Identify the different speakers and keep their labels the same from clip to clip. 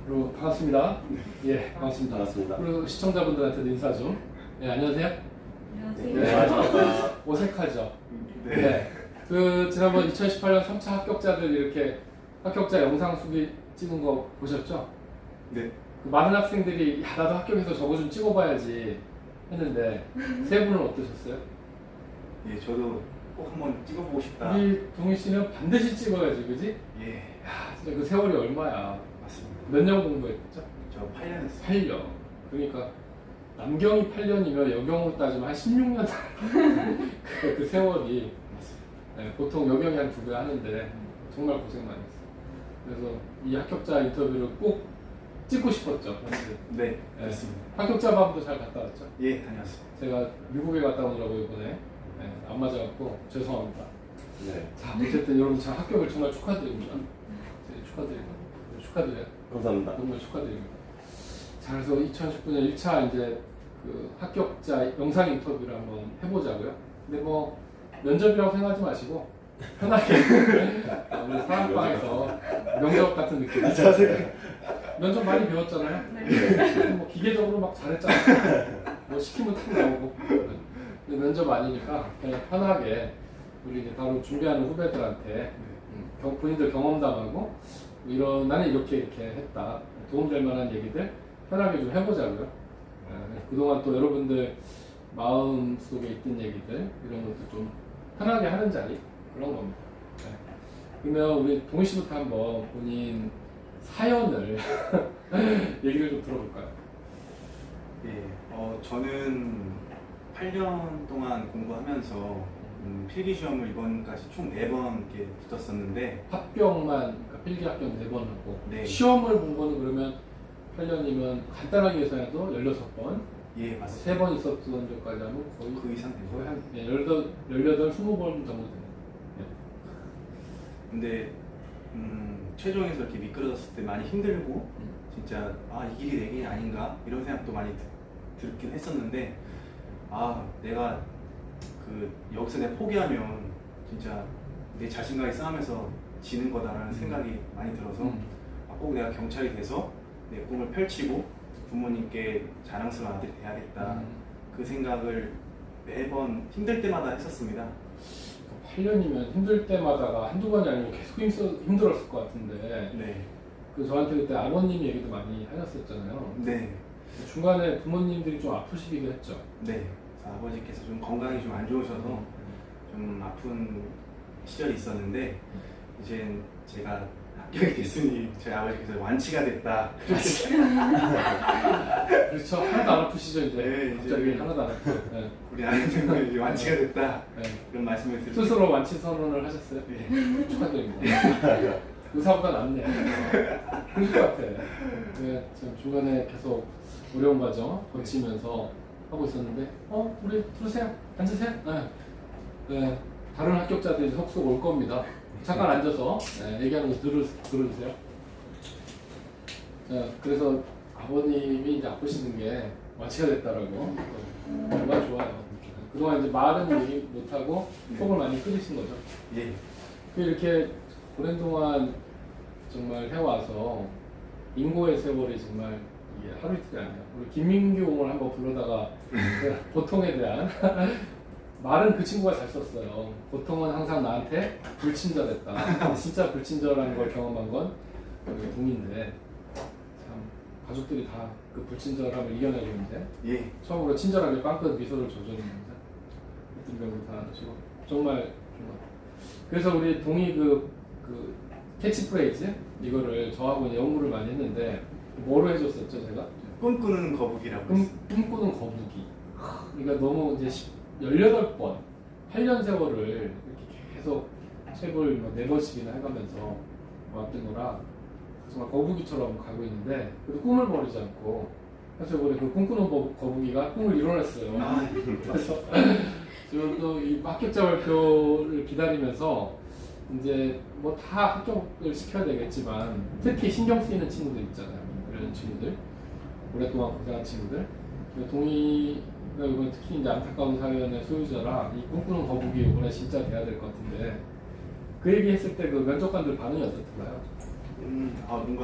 Speaker 1: 그리고 반갑습니다. 예, 반갑습니다.
Speaker 2: 반갑습니다.
Speaker 1: 그리고 시청자분들한테도 인사 좀. 예, 안녕하세요.
Speaker 3: 안녕하세요.
Speaker 1: 네.
Speaker 2: 안녕하십니까.
Speaker 1: 어색하죠?
Speaker 2: 네.
Speaker 1: 네. 그 지난번 2018년 3차 합격자들 이렇게 합격자 영상 수기 찍은 거 보셨죠?
Speaker 2: 네.
Speaker 1: 그 많은 학생들이 야 나도 합격해서 저거 좀 찍어봐야지 했는데 세 분은 어떠셨어요?
Speaker 2: 예, 저도 꼭 한번 찍어보고 싶다.
Speaker 1: 우리 동희 씨는 반드시 찍어야지, 그지?
Speaker 2: 예,
Speaker 1: 야, 진짜 그 세월이 얼마야?
Speaker 2: 맞습니다.
Speaker 1: 몇 년 공부했죠?
Speaker 2: 저 8년 했어요.
Speaker 1: 8년. 그러니까 남경이 8년이면 여경으로 따지면 한 16년 그 세월이 네, 보통 여경이 한 2배 하는데 정말 고생 많이 했어요. 그래서 이 합격자 인터뷰를 꼭 찍고 싶었죠.
Speaker 2: 네,
Speaker 1: 네.
Speaker 2: 그렇습니다.
Speaker 1: 합격자 밤도 잘 갔다 왔죠.
Speaker 2: 예, 다녀왔습니다.
Speaker 1: 제가 미국에 갔다 오느라고 이번에 네, 안 맞아갖고 죄송합니다.
Speaker 2: 네.
Speaker 1: 자, 어쨌든 여러분 참 합격을 정말 축하드립니다. 네, 축하드려요.
Speaker 2: 감사합니다.
Speaker 1: 정말 축하드립니다. 자, 그래서 2019년 1차 이제 그 합격자 영상 인터뷰를 한번 해보자고요. 근데 뭐 면접이라고 생각하지 마시고 편하게 우리 사학과에서 명접 같은 느낌. 면접 많이 배웠잖아요.
Speaker 3: 네.
Speaker 1: 뭐 기계적으로 막 잘했잖아요. 뭐 시키면 탁 나오고. 근데 면접 아니니까 그냥 편하게 우리 이제 바로 준비하는 후배들한테 본인들 경험담하고 이런 나는 이렇게 했다 도움될 만한 얘기들 편하게 좀 해보자고요. 그동안 또 여러분들 마음 속에 있던 얘기들 이런 것도 좀 편하게 하는 자리 그런 겁니다. 네. 그러면 우리 동희 씨부터 한번 본인 사연을 얘기를 좀 들어볼까요?
Speaker 2: 예, 저는 8년 동안 공부하면서 필기 시험을 이번까지 총 4번 이렇게 붙었었는데
Speaker 1: 합격만 그러니까 필기 합격 4번 하고
Speaker 2: 네.
Speaker 1: 시험을 본 거는 그러면 8년이면 간단하게 계산해도 16번
Speaker 2: 예, 맞습니다.
Speaker 1: 3번 있었던 적까지 하면 거의
Speaker 2: 그 이상 되죠.
Speaker 1: 거의 한 18, 20번 정도 되네요.
Speaker 2: 근데 최종에서 이렇게 미끄러졌을 때 많이 힘들고 진짜 이 길이 내 길이 아닌가 이런 생각도 많이 들긴 했었는데 내가 여기서 내가 포기하면 진짜 내 자신과의 싸움에서 지는 거다라는 생각이 많이 들어서 꼭 내가 경찰이 돼서 내 꿈을 펼치고 부모님께 자랑스러운 아들이 돼야겠다 그 생각을 매번 힘들 때마다 했었습니다.
Speaker 1: 8년이면 힘들 때마다가 한두 번이 아니고 계속 힘들었을 것 같은데
Speaker 2: 네.
Speaker 1: 그 저한테 그때 아버님 얘기도 많이 하셨었잖아요.
Speaker 2: 네.
Speaker 1: 중간에 부모님들이 좀 아프시기도 했죠.
Speaker 2: 네. 그래서 아버지께서 좀 건강이 좀 안 좋으셔서 좀 아픈 시절이 있었는데 이제 제가 합격이 됐으니 저희 아버지께서 완치가 됐다.
Speaker 1: 그렇죠. 하나도 안 아프시죠 이제.
Speaker 2: 네,
Speaker 1: 갑자기
Speaker 2: 이제
Speaker 1: 하나도 안 아프죠. 네.
Speaker 2: 우리 아내는 이제 완치가 됐다.
Speaker 1: 네.
Speaker 2: 그런 말씀을 드리고
Speaker 1: 스스로 완치 선언을 하셨어요?
Speaker 2: 네.
Speaker 1: 축하드립니다. 의사보다 낫네요. 그럴 것 같아. 네, 지금 중간에 계속 어려운 과정 거치면서 하고 있었는데, 우리 들으세요. 앉으세요. 네. 네, 다른 합격자들이 속속 올 겁니다. 잠깐 앉아서 얘기하는 거 들어주세요. 자, 그래서 아버님이 이제 아프시는 게 완치가 됐다라고. 정말 좋아요. 그동안 이제 말은 얘기 못하고 속을 많이 끓이신 거죠.
Speaker 2: 예.
Speaker 1: 이렇게 오랜 동안 정말 해와서 인고의 세월이 정말 이게 하루 이틀이 아니야. 우리 김민규를 한번 불러다가 보통에 대한 말은 그 친구가 잘 썼어요. 보통은 항상 나한테 불친절했다. 진짜 불친절한 걸 경험한 건 우리 동인데 참 가족들이 다 그 불친절함을 이겨내고 있는데
Speaker 2: 예.
Speaker 1: 처음으로 친절하게 빵긋 미소를 조져주는데 어떤 병도 다 하시고 정말 그래서 우리 동이 그 캐치프레이즈 이거를 저하고 이제 연구를 많이 했는데 뭐로 해줬었죠 제가?
Speaker 2: 꿈꾸는 거북이라고 했습니다.
Speaker 1: 꿈꾸는 거북이. 그러니까 너무 이제 18번 8년 세월을 이렇게 계속 책을 4번씩이나 해가면서 왔던 거라 정말 거북이처럼 가고 있는데 그래도 꿈을 버리지 않고 사실 우리 그 꿈꾸는 거북이가 꿈을 이뤄냈어요. 그래서 지금 또 이 합격자 발표를 기다리면서 이제 뭐 다 합격을 시켜야 되겠지만 특히 신경 쓰이는 친구들 있잖아요. 이런 친구들 오랫동안 고생한 친구들 동의가 이번 특히 이제 안타까운 사연의 소유자라 이 꿈꾸는 거북이 이번에 진짜 돼야 될 것 같은데 그 얘기 했을 때 그 면접관들 반응이 어떻던가요?
Speaker 2: 뭔가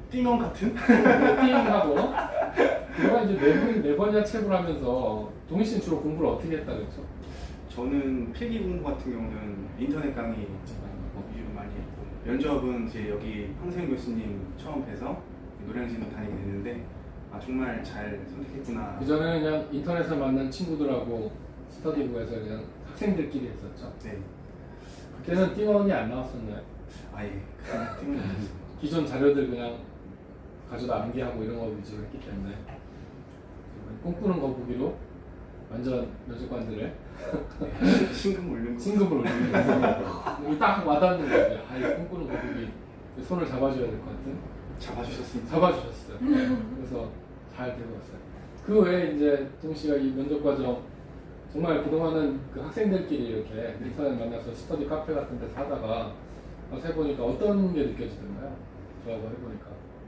Speaker 2: 띵원 같은?
Speaker 1: 띵하고 내가 이제 네 번이나 책을 하면서 동희 씨는 주로 공부를 어떻게 했다 그랬죠?
Speaker 2: 저는 필기 공부 같은 경우는 인터넷 강의 위주로 많이 했고 면접은 이제 여기 황세현 교수님 처음 뵈서 노량진으로 다니게 됐는데 아 정말 잘 선택했구나.
Speaker 1: 그 전에는 그냥 인터넷에서 만난 친구들하고 스터디부에서 그냥 학생들끼리 했었죠.
Speaker 2: 네.
Speaker 1: 그때는 띵원이 안 나왔었나요?
Speaker 2: 아예 그런 팀은 없었어요.
Speaker 1: 기존 자료들 그냥 가져다 암기하고 이런 거 위주로 했기 때문에 꿈꾸는 거북이로 완전 면접관들의
Speaker 2: 신금 올린 거.
Speaker 1: 진급을 올리는 거딱 와닿는 거예요. 아, 이 꿈꾸는 거북이 손을 잡아줘야 될 것 같은.
Speaker 2: 잡아주셨습니다.
Speaker 1: 잡아주셨어요. 네. 그래서 잘 되고 왔어요. 그 외에 이제 동 씨가 이 면접 과정 정말 그동안은 그 학생들끼리 이렇게 인터넷 만나서 스터디 카페 같은 데서 하다가 와서 해보니까 어떤 게 느껴지던가요? 저하고 해보니까.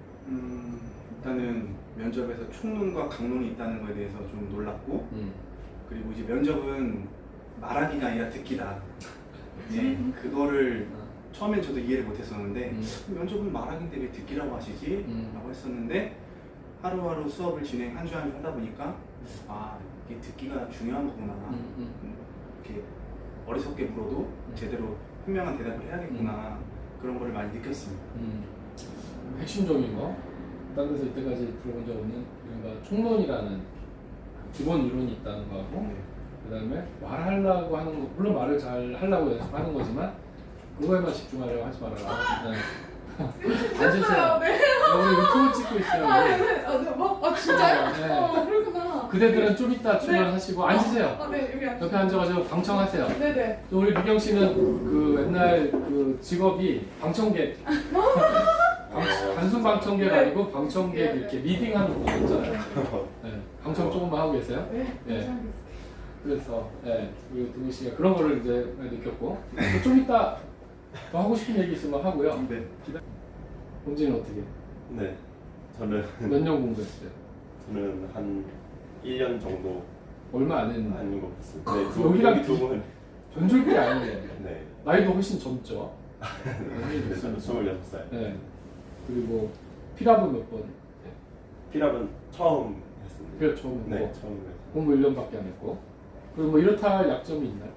Speaker 2: 일단은 면접에서 총론과 강론이 있다는 거에 대해서 좀 놀랐고 그리고 이제 면접은 말하기가 아니라 듣기다. 네, 그거를 처음엔 저도 이해를 못했었는데 면접은 말하기인데 왜 듣기라고 하시지? 라고 했었는데 하루하루 수업을 진행 한 주 한 주 하다 보니까 아 이게 듣기가 중요한 거구나. 이렇게 어리석게 물어도 제대로 현명한 대답을 해야겠구나. 그런 거를 많이 느꼈습니다.
Speaker 1: 핵심적인 거, 다른 데서 이때까지 들어본 적 없는 그러니까 총론이라는 기본 이론이 있다는 거하고
Speaker 2: 네.
Speaker 1: 그 다음에 말하려고 하는 거, 물론 말을 잘 하려고 연습하는 거지만 그거에만 집중하려고 하지 말아라. 네. 앉으세요.
Speaker 3: 네.
Speaker 1: 우리 유튜브 찍고 있어요.
Speaker 3: 아, 네. 아, 네. 아, 진짜요?
Speaker 1: 네.
Speaker 3: 그렇구나.
Speaker 1: 그대들은 좀 이따
Speaker 3: 네.
Speaker 1: 출연하시고 앉으세요.
Speaker 3: 아, 네. 여기 앉으세요.
Speaker 1: 옆에 앉아가지고 방청하세요.
Speaker 3: 네네.
Speaker 1: 또 우리 미경 씨는 그 옛날 그 직업이 방청객. 단순 방청객
Speaker 3: 네.
Speaker 1: 아니고 방청객 이렇게 리딩하는 거 있잖아요. 네. 방청 조금만 하고 계세요.
Speaker 3: 네.
Speaker 1: 네.
Speaker 3: 감사합니다.
Speaker 1: 그래서 우리 동희 씨가 그런 거를 이제 느꼈고 또좀 이따 더 하고 싶은 얘기 있으면 하고요.
Speaker 2: 네.
Speaker 1: 본진은 어떻게?
Speaker 4: 네, 저는
Speaker 1: 몇 년 공부했어요?
Speaker 4: 한 1년 정도
Speaker 1: 얼마 안 했는데
Speaker 4: 하는 것 같습니다. 네,
Speaker 1: 여기랑
Speaker 4: 여기 두 분.
Speaker 1: 전졸기 아니에요.
Speaker 4: 네,
Speaker 1: 나이도 훨씬 젊죠.
Speaker 4: 네, 저는 26살.
Speaker 1: 네. 그리고 피랍은 몇 번?
Speaker 4: 피랍은 처음 했습니다.
Speaker 1: 피랍 처음 했고
Speaker 4: 네, 처음 했어요.
Speaker 1: 공부 1년밖에 안 했고 그리고 뭐 이렇다 할 약점이 있나요?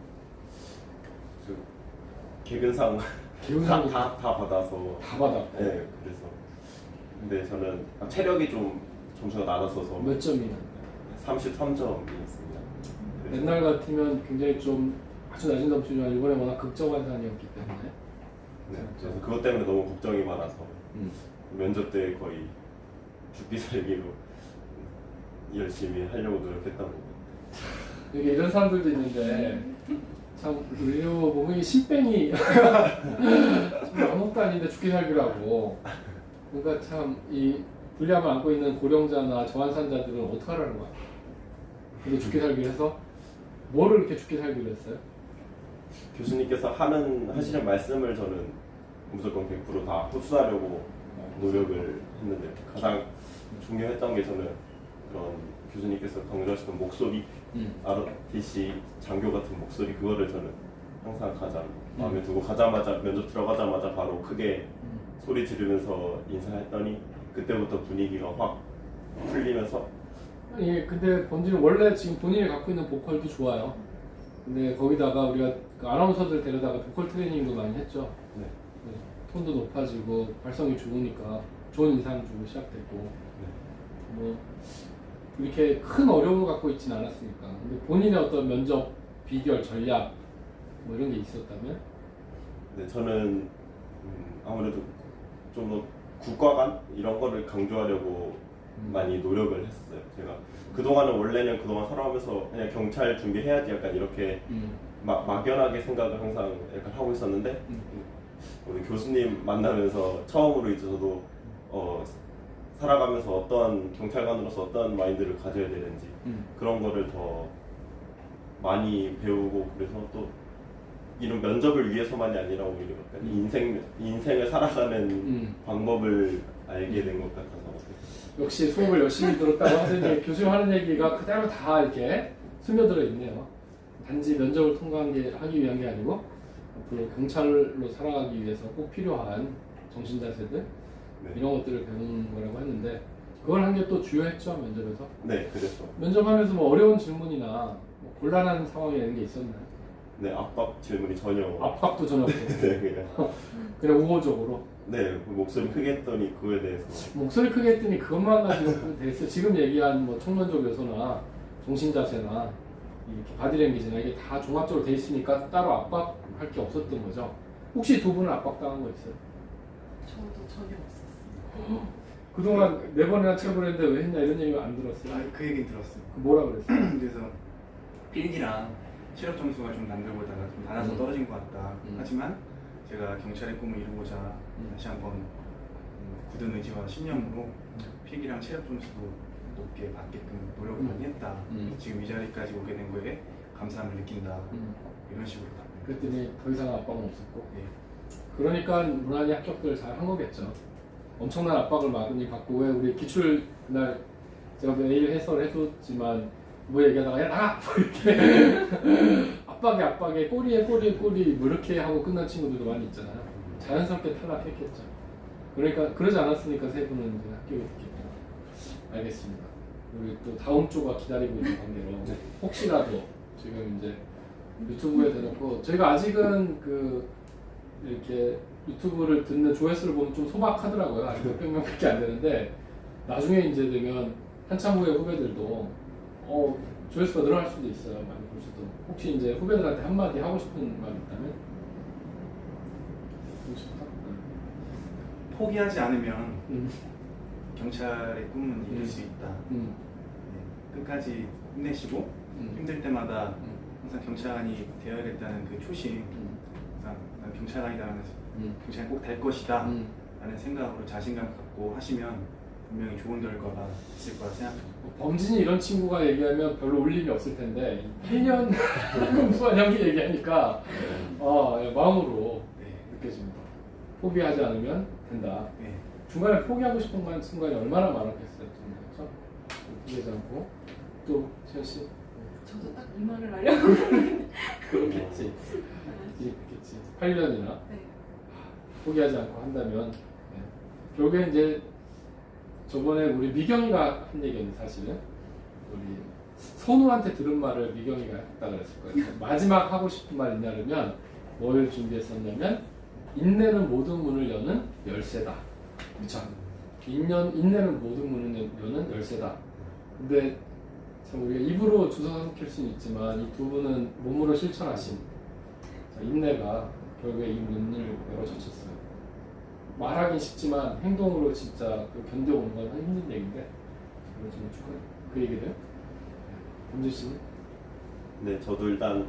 Speaker 4: 저 개근상
Speaker 1: 기운상이
Speaker 4: 다 받아서.
Speaker 1: 다 받았고
Speaker 4: 네, 그래서. 근데 저는 체력이 좀 점수가 낮았어서
Speaker 1: 몇 점이나?
Speaker 4: 33점이었습니다.
Speaker 1: 옛날 같으면 굉장히 좀 아주 낮은 점수지만 이번에 워낙 극적환산이었기 때문에
Speaker 4: 네, 그래서 그것 때문에 너무 걱정이 많아서
Speaker 1: 음.
Speaker 4: 면접 때 거의 죽기 살기로 열심히 하려고 노력했던 것 같아요.
Speaker 1: 이게 이런 사람들도 있는데 참 의료 보면 이 신병이 정말 아무것도 아닌데 죽기 살기라고 그러니까 참 이 불리함을 안고 있는 고령자나 저환산자들은 어떡하라는 거야. 근데 죽기 살기를 해서 뭐를 이렇게 죽기 살기를 했어요?
Speaker 4: 교수님께서 하시는 말씀을 저는 무조건 100% 다 흡수하려고 노력을 했는데 가장 중요했던 게 저는 그런 교수님께서 강조하시던 목소리, ROTC 장교 같은 목소리 그거를 저는 항상 가장 마음에 두고 가자마자 면접 들어가자마자 바로 크게 소리 지르면서 인사했더니 그때부터 분위기가 확 풀리면서
Speaker 1: 예, 근데 본질은 원래 지금 본인이 갖고 있는 보컬도 좋아요. 근데 거기다가 우리가 그 아나운서들 데려다가 보컬 트레이닝도 많이 했죠.
Speaker 4: 네.
Speaker 1: 네, 톤도 높아지고 발성이 좋으니까 좋은 인상 주고 시작됐고 뭐 이렇게 큰 어려움을 갖고 있지는 않았으니까. 근데 본인의 어떤 면접 비결 전략 뭐 이런 게 있었다면?
Speaker 4: 네, 저는 아무래도 좀 더 국가관 이런 거를 강조하려고 많이 노력을 했었어요. 제가 원래는 그동안 살아오면서 그냥 경찰 준비해야지 약간 이렇게 막연하게 생각을 항상 약간 하고 있었는데 우리 교수님 만나면서 처음으로 이제 저도 살아가면서 어떠한 경찰관으로서 어떠한 마인드를 가져야 되는지 그런 거를 더 많이 배우고 그래서 또 이런 면접을 위해서만이 아니라 오히려 약간 인생을 살아가는 방법을 알게 된 것 같아서
Speaker 1: 역시 수업을 열심히 들었다고 하더니 교수님 하는 얘기가 그대로 다 이렇게 스며들어 있네요. 단지 면접을 하기 위한 게 아니고 앞으로 경찰로 살아가기 위해서 꼭 필요한 정신자세들
Speaker 4: 네.
Speaker 1: 이런 것들을 배우는 거라고 했는데 그걸 한 게 또 주요했죠 면접에서.
Speaker 4: 네, 그랬죠.
Speaker 1: 면접하면서 뭐 어려운 질문이나 뭐 곤란한 상황이 이런 게 있었나요?
Speaker 4: 네, 압박 질문이 전혀.
Speaker 1: 압박도 전혀 없고
Speaker 4: 네,
Speaker 1: 그냥 우호적으로
Speaker 4: 네, 목소리 크게 했더니 그거에 대해서.
Speaker 1: 목소리 크게 했더니 그것만 가지고 됐어요. 지금 얘기한 뭐 총론적 요소나 정신자세나 이렇게 바디랭귀지나 이게 다 종합적으로 돼 있으니까 따로 압박할 게 없었던 거죠. 혹시 두 분은 압박당한 거 있어요?
Speaker 3: 저도 전혀 없었어요.
Speaker 1: 그동안 4번이나 체험을 했는데 왜 했냐 이런 얘기 안 들었어요?
Speaker 2: 그 얘기 들었어요.
Speaker 1: 뭐라 그랬어요?
Speaker 2: 그래서 필기랑 체력 점수가 좀 남들보다가 좀 낮아서 떨어진 것 같다. 하지만 제가 경찰의 꿈을 이루고자 다시 한번 굳은 의지와 신념으로 필기랑 체력 점수도 높게 받게끔 노력을 많이 했다. 지금 이 자리까지 오게 된 거에 감사함을 느낀다. 이런 식으로 답변을
Speaker 1: 그랬더니 더 이상 압박은 없었고
Speaker 2: 예.
Speaker 1: 그러니까 무난히 합격들 잘 한 거겠죠. 엄청난 압박을 많이 받고 왜 우리 기출 그날 제가 메일 해설을 해줬지만 뭐 얘기하다가 야 나가! 뭐 이렇게 압박에 꼬리에 뭐 이렇게 하고 끝난 친구들도 많이 있잖아요. 자연스럽게 탈락했겠죠. 그러니까 그러지 않았으니까 세 분은 이제 합격이 됐겠죠. 알겠습니다. 우리 또 다음 주가 기다리고 있는 관계로 혹시라도 지금 이제 유튜브에 대놓고 저희가 아직은 그 이렇게 유튜브를 듣는 조회수를 보면 좀 소박하더라고요. 아직 몇백 명밖에 안 되는데 나중에 이제 되면 한참 후에 후배들도 조회수가 늘어날 수도 있어요. 많이 볼 수도. 혹시 이제 후배들한테 한마디 하고 싶은 말 있다면? 하고 싶다?
Speaker 2: 포기하지 않으면 경찰의 꿈은 이룰 수 있다. 네. 끝까지 힘내시고 힘들 때마다 항상 경찰관이 되어야겠다는 그 초심, 항상 난 경찰관이라는 경찰이 꼭 될 것이다 라는 생각으로 자신감 갖고 하시면 분명히 좋은 결과가 있을 거라 생각합니다.
Speaker 1: 범진이 이런 친구가 얘기하면 별로 울림이 없을 텐데 8년 공부한 형이 얘기하니까 마음으로
Speaker 2: 네.
Speaker 1: 느껴집니다. 포기하지 않으면 된다.
Speaker 2: 네.
Speaker 1: 중간에 포기하고 싶은 순간이 얼마나 많았겠어요. 그렇죠? 포기하지 않고 또 채연 씨
Speaker 3: 저도 딱 이 말을 하려고.
Speaker 1: 그렇겠지. 그렇겠지. 8년이나
Speaker 3: 네.
Speaker 1: 포기하지 않고 한다면 결국에 이제 저번에 우리 미경이가 한 얘기는 사실은 우리 선우한테 들은 말을 미경이가 했다 그랬을 거예요. 마지막 하고 싶은 말 있냐면 뭘 준비했었냐면 인내는 모든 문을 여는 열쇠다. 그렇죠? 인내는 모든 문을 여는 열쇠다. 근데 참 우리가 입으로 주워 삼킬 수는 있지만 이 두 분은 몸으로 실천하신 인내가 결국에 이 문을 열어젖혔어요. 말하긴 쉽지만 행동으로 진짜 견뎌오는 건 힘든 얘기인데 그걸 좀 축하해. 그 얘기를 범진 씨는?
Speaker 4: 네, 저도 일단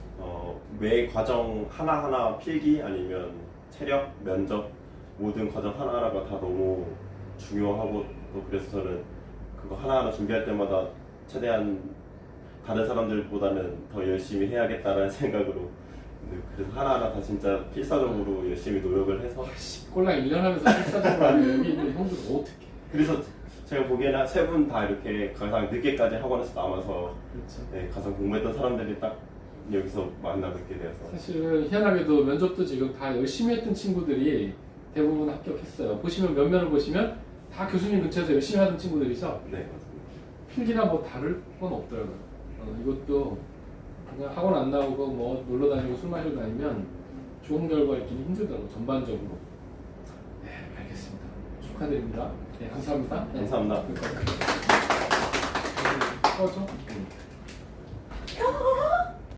Speaker 4: 매 과정 하나하나 필기 아니면 체력, 면접 모든 과정 하나하나가 다 너무 중요하고 또 그래서 저는 그거 하나하나 준비할 때마다 최대한 다른 사람들보다는 더 열심히 해야겠다는 생각으로 그래서 하나하나 다 진짜 필사적으로 열심히 노력을 해서
Speaker 1: 꼴랑 1년 하면서 필사적으로 하는 여기 있는 형들 어떻게
Speaker 4: 그래서 제가 보기에는 세 분 다 이렇게 가장 늦게까지 학원에서 남아서
Speaker 1: 그렇죠.
Speaker 4: 네, 가장 공부했던 사람들이 딱 여기서 만나 뵙게 되어서
Speaker 1: 사실은 희한하게도 면접도 지금 다 열심히 했던 친구들이 대부분 합격했어요. 보시면 면면을 보시면 다 교수님 근처에서 열심히 하던 친구들이죠.
Speaker 4: 네, 맞습니다.
Speaker 1: 필기나 뭐 다를 건 없더라고요. 이것도 그냥 학원 안 나오고 뭐 놀러 다니고 술 마시러 다니면 좋은 결과 있기는 힘들더라고요. 전반적으로. 네, 알겠습니다. 축하드립니다. 네, 감사합니다.
Speaker 4: 감사합니다.
Speaker 1: 네.